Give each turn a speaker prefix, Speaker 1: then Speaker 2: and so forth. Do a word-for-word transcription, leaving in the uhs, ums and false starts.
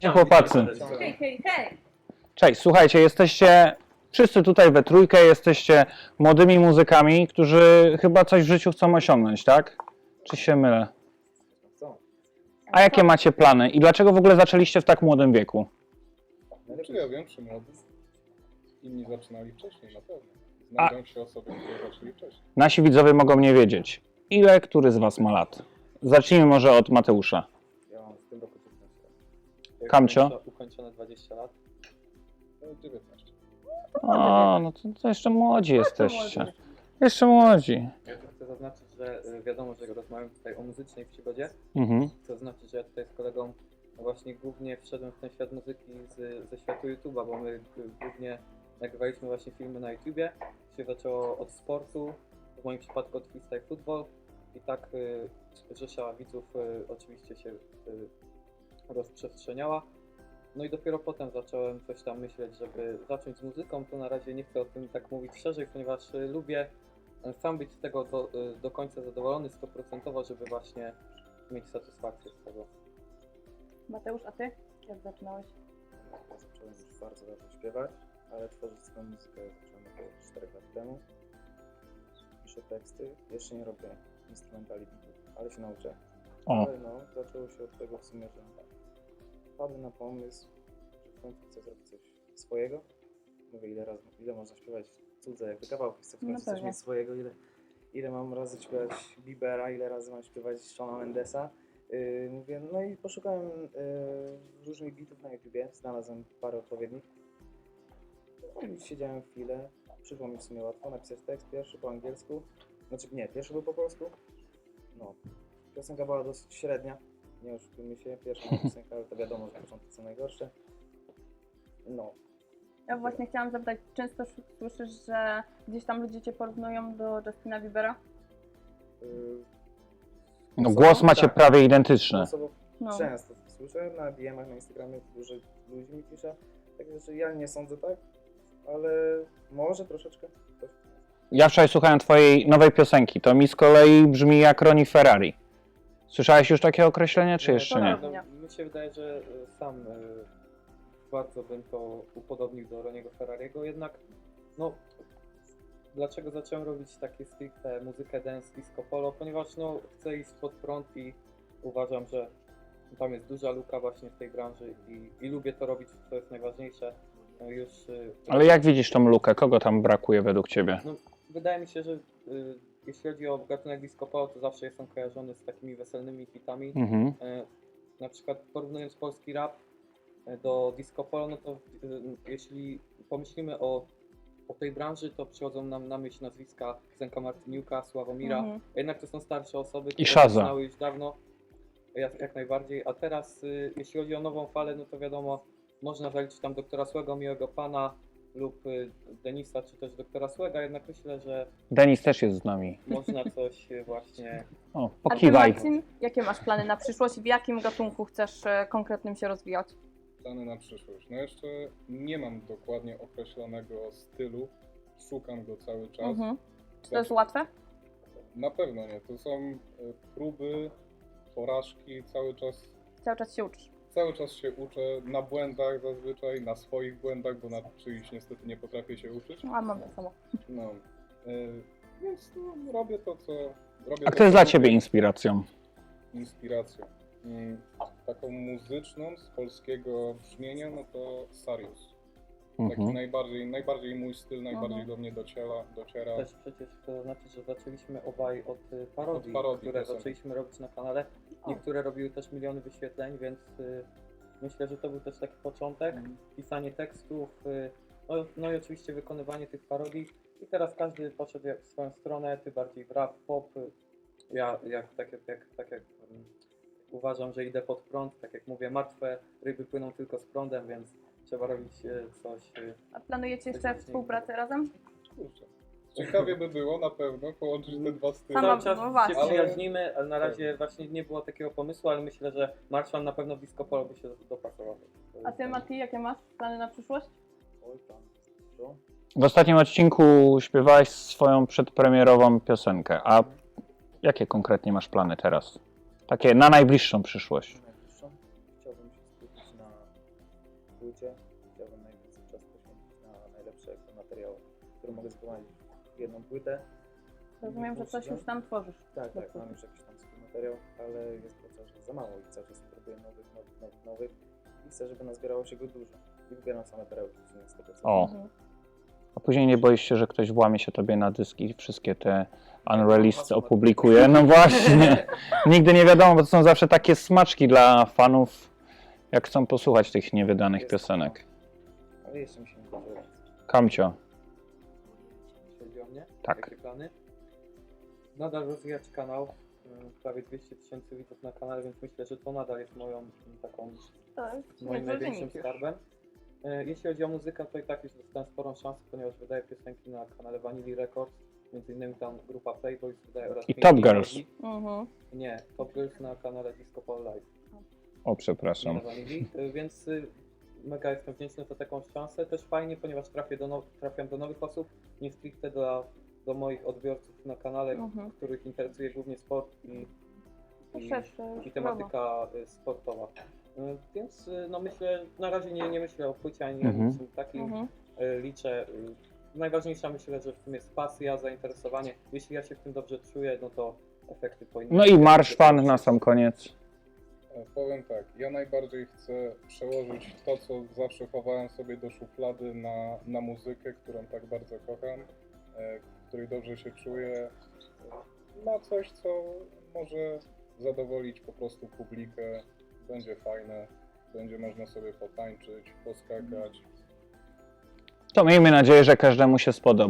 Speaker 1: Chłopacy.
Speaker 2: Hej, hej, hej!
Speaker 1: Cześć, słuchajcie, jesteście wszyscy tutaj we trójkę, jesteście młodymi muzykami, którzy chyba coś w życiu chcą osiągnąć, tak? Czy się mylę? A jakie macie plany i dlaczego w ogóle zaczęliście w tak młodym wieku?
Speaker 3: Czy ja wiem, czy młody? Inni zaczynali wcześniej, na pewno. Znajdą się osoby, które zaczęli wcześniej.
Speaker 1: Nasi widzowie mogą nie wiedzieć. Ile który z was ma lat? Zacznijmy może od Mateusza.
Speaker 4: Ja mam w tym roku dziewiętnaście lat.
Speaker 1: Kamcio?
Speaker 4: Ukończo- Ukończone dwadzieścia lat.
Speaker 3: No, dziewiętnaście.
Speaker 1: O, no to, to jeszcze młodzi jesteście. Jeszcze młodzi.
Speaker 4: Ja tu chcę zaznaczyć, że y, wiadomo, że rozmawiam tutaj o muzycznej przygodzie.
Speaker 1: Mhm.
Speaker 4: Chcę zaznaczyć, że ja tutaj z kolegą właśnie głównie wszedłem w ten świat muzyki z, ze światu YouTube'a, bo my y, głównie nagrywaliśmy właśnie filmy na YouTubie. Się zaczęło od sportu, w moim przypadku od freestyle football i tak y, rzesza widzów y, oczywiście się y, rozprzestrzeniała. No i dopiero potem zacząłem coś tam myśleć, żeby zacząć z muzyką. To na razie nie chcę o tym tak mówić szerzej, ponieważ y, lubię y, sam być z tego do, y, do końca zadowolony stuprocentowo, żeby właśnie mieć satysfakcję z tego.
Speaker 2: Mateusz, a ty? Jak zaczynałeś?
Speaker 5: Ja zacząłem już bardzo dawno śpiewać, ale tworzyć swoją muzykę zacząłem około czterech lat temu. Piszę teksty, jeszcze nie robię instrumentali bitów, ale się nauczę.
Speaker 1: O.
Speaker 5: Ale no, zaczęło się od tego w sumie, że wpadłem na pomysł, że w końcu chcę zrobić coś swojego. Mówię, ile razy, ile można śpiewać cudze, jakby kawałki, chcę w
Speaker 2: No
Speaker 5: końcu coś
Speaker 2: pewnie.
Speaker 5: mieć swojego, ile, ile mam razy śpiewać Biebera, ile razy mam śpiewać Shona Mendesa. Yy, mówię, no i poszukałem yy, różnych bitów na YouTubie, znalazłem parę odpowiednich. No i siedziałem chwilę, przyszło mi w sumie łatwo napisać tekst pierwszy po angielsku, znaczy nie, pierwszy był po polsku. No, piosenka była dosyć średnia, nie oszukujmy się, pierwsza moja piosenka, ale to wiadomo, że początki są najgorsze. No,
Speaker 2: Ja właśnie chciałam zapytać, często sz- słyszysz, że gdzieś tam ludzie cię porównują do Justina Biebera?
Speaker 5: yy,
Speaker 1: No,
Speaker 5: osobą-
Speaker 1: głos macie
Speaker 5: tak,
Speaker 1: prawie identyczny.
Speaker 5: osobą
Speaker 2: No.
Speaker 5: często słyszę, na D M-ach na Instagramie dużo ludzi mi pisze, także że ja nie sądzę tak, ale może troszeczkę. Coś.
Speaker 1: Ja wczoraj słuchałem twojej nowej piosenki, to mi z kolei brzmi jak Ronnie Ferrari. Słyszałeś już takie określenie, czy jeszcze nie?
Speaker 4: No, mi się wydaje, że y, sam y, bardzo bym to upodobnił do Roniego Ferrariego, jednak no dlaczego zacząłem robić takie stricte muzykę dance, disco polo, ponieważ no chcę iść pod prąd i uważam, że tam jest duża luka właśnie w tej branży i, i lubię to robić, co jest najważniejsze. No już, y,
Speaker 1: Ale jak widzisz tą lukę? Kogo tam brakuje według ciebie?
Speaker 4: no, wydaje mi się, że y, jeśli chodzi o gatunek disco polo, to zawsze jest on kojarzony z takimi weselnymi hitami.
Speaker 1: Mhm.
Speaker 4: E, na przykład porównując polski rap e, do disco polo, no to e, jeśli pomyślimy o, o tej branży, to przychodzą nam na myśl nazwiska Zenka Martyniuka, Sławomira,
Speaker 2: Mhm.
Speaker 4: jednak to są starsze osoby, które
Speaker 1: Shaza.
Speaker 4: zaczynały już dawno, jak, jak najbardziej, a teraz y, jeśli chodzi o nową falę, no to wiadomo, można zaliczyć tam doktora Słego, Miłego Pana lub y, Denisa, czy też doktora Słega, jednak myślę, że
Speaker 1: Denis też jest z nami.
Speaker 4: można coś y, właśnie.
Speaker 1: O,
Speaker 2: A ty,
Speaker 1: pokiwaj.
Speaker 2: Marcin, jakie masz plany na przyszłość? W jakim gatunku chcesz e, konkretnym się rozwijać?
Speaker 3: Plany na przyszłość. No jeszcze nie mam dokładnie określonego stylu. Szukam go cały czas.
Speaker 2: Mhm. Czy to jest łatwe?
Speaker 3: Na pewno nie. To są e, próby, porażki, cały czas,
Speaker 2: Cały czas się uczysz.
Speaker 3: cały czas się uczę na błędach zazwyczaj, na swoich błędach, bo na czyichś niestety nie potrafię się uczyć.
Speaker 2: No, a mam to samo.
Speaker 3: No. E, więc no, robię to, co robię.
Speaker 1: A
Speaker 3: to,
Speaker 1: kto jest
Speaker 3: co
Speaker 1: dla
Speaker 3: lubię.
Speaker 1: ciebie inspiracją?
Speaker 3: Inspiracją. Mm, taką muzyczną z polskiego brzmienia, no to Sarius. Taki
Speaker 1: Mhm.
Speaker 3: najbardziej, najbardziej mój styl, najbardziej
Speaker 2: Mhm.
Speaker 3: do mnie dociera, dociera.
Speaker 4: Też przecież chcę zaznaczyć, że zaczęliśmy obaj od y, parodii,
Speaker 3: Od parodii
Speaker 4: które
Speaker 3: piosenek.
Speaker 4: zaczęliśmy robić na kanale. Niektóre robiły też miliony wyświetleń, więc y, myślę, że to był też taki początek.
Speaker 5: Mhm.
Speaker 4: Pisanie tekstów, y, no, no i oczywiście wykonywanie tych parodii. I teraz każdy poszedł jak w swoją stronę, ty bardziej w rap, pop. y, Ja jak, tak, jak, jak, tak jak mm, uważam, że idę pod prąd, tak jak mówię, martwe ryby płyną tylko z prądem, więc trzeba robić y, coś. Y,
Speaker 2: A planujecie jeszcze współpracę razem?
Speaker 3: Kurczę. Ciekawie by było na pewno połączyć te dwa style.
Speaker 2: Sama-
Speaker 4: Cały czas
Speaker 2: no właśnie.
Speaker 4: się przyjaźnimy, ale na razie właśnie nie było takiego pomysłu, ale myślę, że Marszal na pewno disco polo by się dopasował.
Speaker 2: A ty, Mati, jakie masz plany na przyszłość?
Speaker 5: Oj tam, dużo.
Speaker 1: W ostatnim odcinku śpiewałeś swoją przedpremierową piosenkę, a jakie konkretnie masz plany teraz? Takie na najbliższą przyszłość.
Speaker 5: Najbliższą chciałbym się skupić na płycie. Chciałbym najwięcej czasu poświęcić na najlepsze materiały, które mogę zgromadzić w jedną płytę.
Speaker 2: Rozumiem, że coś już tam tworzysz.
Speaker 5: Tak,
Speaker 2: do
Speaker 5: tak,
Speaker 2: płyty.
Speaker 5: mam już jakiś tam swój materiał, ale jest to cały czas za mało i cały czas próbuję nowych, nowych, nowych, nowych i chcę, żeby nazbierało się go dużo. I wybieram same perełki, czyli z tego co
Speaker 1: O.
Speaker 2: Mhm.
Speaker 1: A później nie boisz się, że ktoś włamie się tobie na dyski i wszystkie te unreleased opublikuje? No właśnie. Nigdy nie wiadomo, bo to są zawsze takie smaczki dla fanów, jak chcą posłuchać tych niewydanych
Speaker 5: Jest.
Speaker 1: piosenek.
Speaker 5: Ale jeszcze mi się nie zdarzyło.
Speaker 1: Kamcio.
Speaker 4: Jeśli chodzi o mnie,
Speaker 1: Tak.
Speaker 4: jakie plany? Nadal rozwijać kanał, y, prawie dwieście tysięcy widzów na kanale, więc myślę, że to nadal jest moją y, taką
Speaker 2: Tak,
Speaker 4: moim
Speaker 2: niezły
Speaker 4: największym
Speaker 2: wynik już.
Speaker 4: skarbem. E, Jeśli chodzi o muzykę, to i tak już dostałem sporą szansę, ponieważ wydaję piosenki na kanale Vanilla Records, między innymi tam grupa Playboys wydaje oraz
Speaker 1: I
Speaker 4: Pinky
Speaker 1: Top
Speaker 4: i
Speaker 1: Girls.
Speaker 4: Lady.
Speaker 2: Mhm.
Speaker 4: Nie, Top Girls na kanale Disco Polo Live.
Speaker 1: O, przepraszam.
Speaker 4: Na Vanilli. E, Więc y, mega jestem wdzięczny za taką szansę. Też fajnie, ponieważ trafię do now- trafiam do nowych osób, nie stricte do, do moich odbiorców na kanale,
Speaker 2: Mhm.
Speaker 4: których interesuje głównie sport i,
Speaker 2: To
Speaker 4: i,
Speaker 2: szersze
Speaker 4: i
Speaker 2: już
Speaker 4: tematyka y, sportowa. Y, Więc y, no myślę, na razie nie, nie myślę o płycie ani
Speaker 1: Mhm.
Speaker 4: o niczym takim.
Speaker 2: Mhm.
Speaker 4: Y, Liczę. y, Najważniejsza myślę, że w tym jest pasja, zainteresowanie. Jeśli ja się w tym dobrze czuję, no to efekty powinny
Speaker 1: No i marsz fan na sam koniec.
Speaker 3: E, Powiem tak, ja najbardziej chcę przełożyć to, co zawsze chowałem sobie do szuflady na, na muzykę, którą tak bardzo kocham, e, w której dobrze się czuję, e, na coś, co może zadowolić po prostu publikę, będzie fajne, będzie można sobie potańczyć, poskakać.
Speaker 1: To miejmy nadzieję, że każdemu się spodoba.